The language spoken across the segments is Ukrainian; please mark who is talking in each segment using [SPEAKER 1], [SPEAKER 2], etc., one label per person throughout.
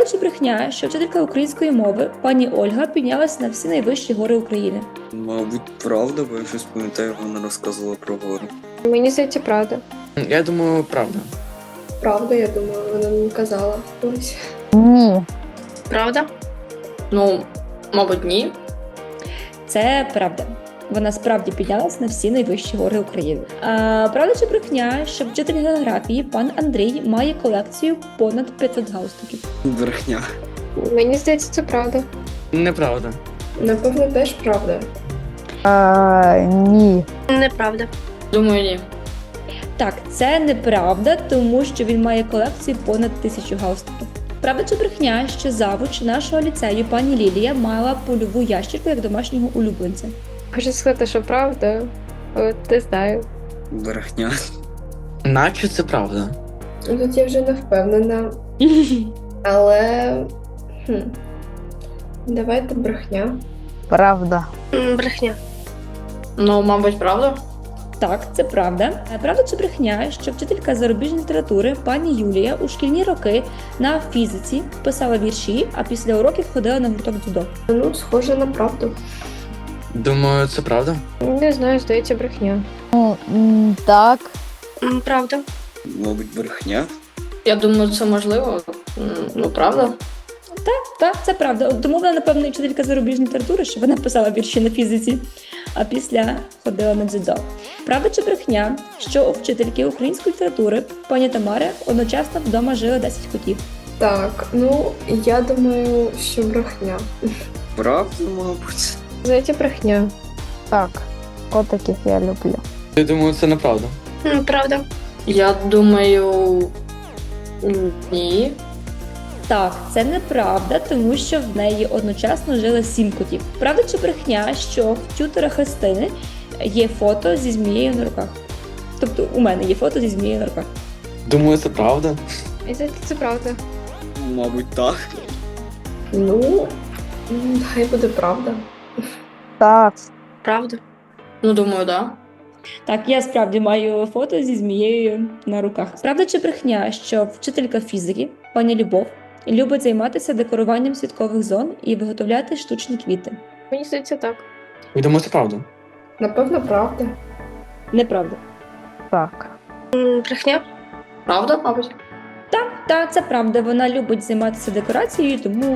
[SPEAKER 1] Правда чи брехня, що вчителька української мови пані Ольга піднялася на всі найвищі гори України?
[SPEAKER 2] Мабуть, правда, бо я щось пам'ятаю, вона розказувала про гори.
[SPEAKER 3] Мені здається, правда.
[SPEAKER 4] Я думаю, правда.
[SPEAKER 3] Правда, я думаю, вона не казала. Ось.
[SPEAKER 5] Ні.
[SPEAKER 6] Правда? Ну, мабуть, ні.
[SPEAKER 1] Це правда. Вона справді піднялась на всі найвищі гори України. Правда чи брехня, що вчитель географії пан Андрій має колекцію понад 500 галстуків?
[SPEAKER 2] Брехня.
[SPEAKER 3] Мені здається, це правда.
[SPEAKER 4] Неправда.
[SPEAKER 3] Напевно, теж правда.
[SPEAKER 5] Ні.
[SPEAKER 6] Неправда. Думаю, ні.
[SPEAKER 1] Так, це неправда, тому що він має колекцію понад 1000 галстуків. Правда чи брехня, що завуч нашого ліцею пані Лілія мала польову ящірку як домашнього улюбленця?
[SPEAKER 3] Хочу сказати, що правда. От не знаю.
[SPEAKER 2] Брехня.
[SPEAKER 4] Наче це правда.
[SPEAKER 3] Тут я вже не впевнена. Але. Давайте брехня.
[SPEAKER 5] Правда.
[SPEAKER 6] Брехня. Ну, мабуть, правда.
[SPEAKER 1] Так, це правда. Правда чи брехня, що вчителька зарубіжної літератури пані Юлія у шкільні роки на фізиці писала вірші, а після уроків ходила на гурток дзюдо?
[SPEAKER 3] Ну, схоже на правду.
[SPEAKER 4] Думаю, це правда.
[SPEAKER 3] Не знаю, здається, брехня.
[SPEAKER 5] Так.
[SPEAKER 6] Правда.
[SPEAKER 2] Мабуть, брехня.
[SPEAKER 6] Я думаю, це можливо. Ну, правда.
[SPEAKER 1] Так, це правда. Тому вона, напевно, і вчителька зарубіжної літератури, що вона писала вірші на фізиці, а після ходила на дзюдо. Правда чи брехня, що у вчительки української літератури пані Тамари одночасно вдома жили 10 котів?
[SPEAKER 3] Так, ну, я думаю, що брехня.
[SPEAKER 2] Правда, мабуть.
[SPEAKER 3] Здається, брехня.
[SPEAKER 5] Так. Котиків я люблю.
[SPEAKER 4] Я думаю, це неправда.
[SPEAKER 6] Правда. Я думаю, ні.
[SPEAKER 1] Так, це неправда, тому що в неї одночасно жили 7 котів. Правда чи брехня, що в тютора Христини є фото зі змією на руках? Тобто у мене є фото зі змією на руках.
[SPEAKER 4] Думаю, це правда.
[SPEAKER 3] І здається, це правда.
[SPEAKER 2] Мабуть, так.
[SPEAKER 3] Ну, хай буде правда.
[SPEAKER 5] Так.
[SPEAKER 6] Правда. Ну, думаю, да.
[SPEAKER 1] Так, я справді маю фото зі змією на руках. Правда чи брехня, що вчителька фізики, пані Любов, любить займатися декоруванням святкових зон і виготовляти штучні квіти?
[SPEAKER 3] Мені здається, так.
[SPEAKER 4] Я думаю, це правда.
[SPEAKER 3] Напевно, правда.
[SPEAKER 1] Неправда.
[SPEAKER 5] Так.
[SPEAKER 6] Брехня. Правда, мабуть.
[SPEAKER 1] Так, це правда. Вона любить займатися декорацією, тому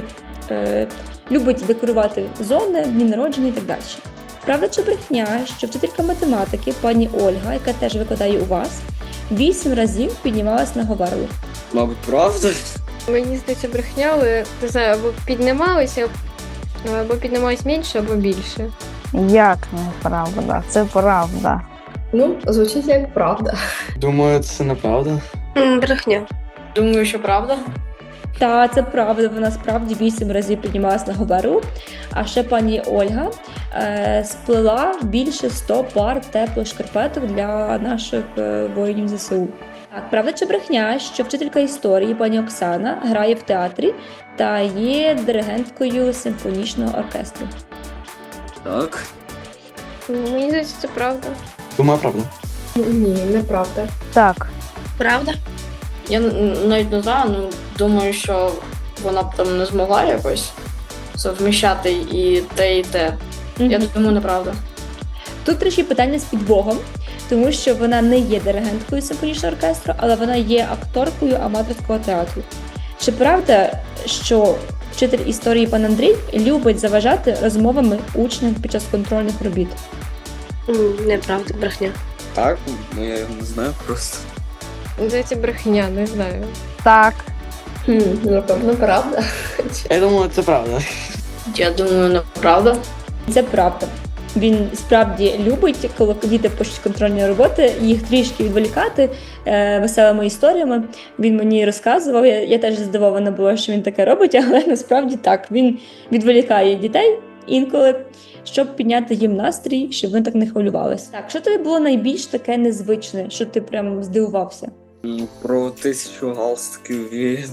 [SPEAKER 1] любить декорувати зони, дні народження і так далі. Правда чи брехня, що вчителька математики, пані Ольга, яка теж викладає у вас, 8 разів піднімалась на Говерлу?
[SPEAKER 2] Мабуть, правда.
[SPEAKER 3] Мені здається, брехня, але не знаю, або піднімалися, або піднімались менше, або більше.
[SPEAKER 5] Як неправда? Це правда.
[SPEAKER 3] Ну, звучить як правда.
[SPEAKER 4] Думаю, це неправда.
[SPEAKER 6] Брехня. Думаю, що правда.
[SPEAKER 1] Та, це правда, вона справді 8 разів піднімалась на Говерлу. А ще пані Ольга сплела більше 100 пар теплих шкарпеток для наших воїнів ЗСУ. Так, правда чи брехня, що вчителька історії пані Оксана грає в театрі та є диригенткою симфонічного оркестру?
[SPEAKER 2] Так.
[SPEAKER 3] Мені здається, це правда.
[SPEAKER 4] Думаю, правда.
[SPEAKER 3] Ні, неправда.
[SPEAKER 5] Так.
[SPEAKER 6] Правда? Я навіть не знаю, ну, думаю, що вона б там не змогла якось совміщати і те, і те. Я думаю, неправда.
[SPEAKER 1] Тут трішки питання з підвогом, тому що вона не є диригенткою симфонічного оркестру, але вона є акторкою аматорського театру. Чи правда, що вчитель історії пан Андрій любить заважати розмовами учням під час контрольних робіт?
[SPEAKER 6] Неправда, брехня.
[SPEAKER 2] Так, ну я його не знаю просто.
[SPEAKER 3] Здається, брехня, не знаю.
[SPEAKER 5] Так.
[SPEAKER 3] Напевно, правда.
[SPEAKER 4] Я думаю, це правда.
[SPEAKER 6] Я думаю, неправда.
[SPEAKER 1] Це правда. Він справді любить, коли діти пишуть контрольні роботи, їх трішки відволікати веселими історіями. Він мені розказував, я теж здивована була, що він таке робить, але насправді так. Він відволікає дітей інколи, щоб підняти їм настрій, щоб вони так не хвилювалися. Так, що тобі було найбільш таке незвичне, що ти прям здивувався?
[SPEAKER 2] Про 1000 галстуків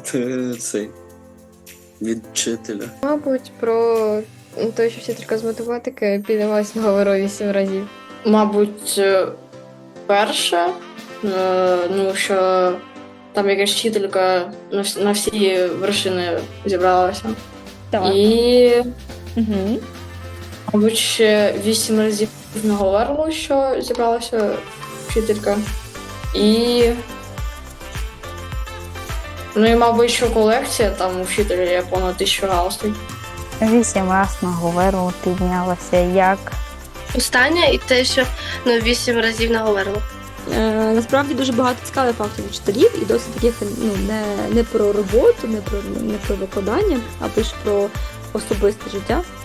[SPEAKER 2] від вчителя.
[SPEAKER 3] Мабуть, про те, що вчителька з математики піднімалась на Говерлу 8 разів.
[SPEAKER 6] Мабуть, перше, ну, що там якась вчителька на всі вершини зібралася.
[SPEAKER 1] Так.
[SPEAKER 6] І,
[SPEAKER 1] Угу.
[SPEAKER 6] мабуть, ще 8 разів наговорило, що зібралася вчителька. І. Ну і, мабуть, що колекція там у вчителя є понад 1000 галстук.
[SPEAKER 5] 8 раз на говерлу піднялася. Як?
[SPEAKER 7] Останнє і те, що 8 разів наговорило.
[SPEAKER 1] Насправді дуже багато цікавих фактів вчителів і досить таких не про роботу, не про викладання, а більше про особисте життя.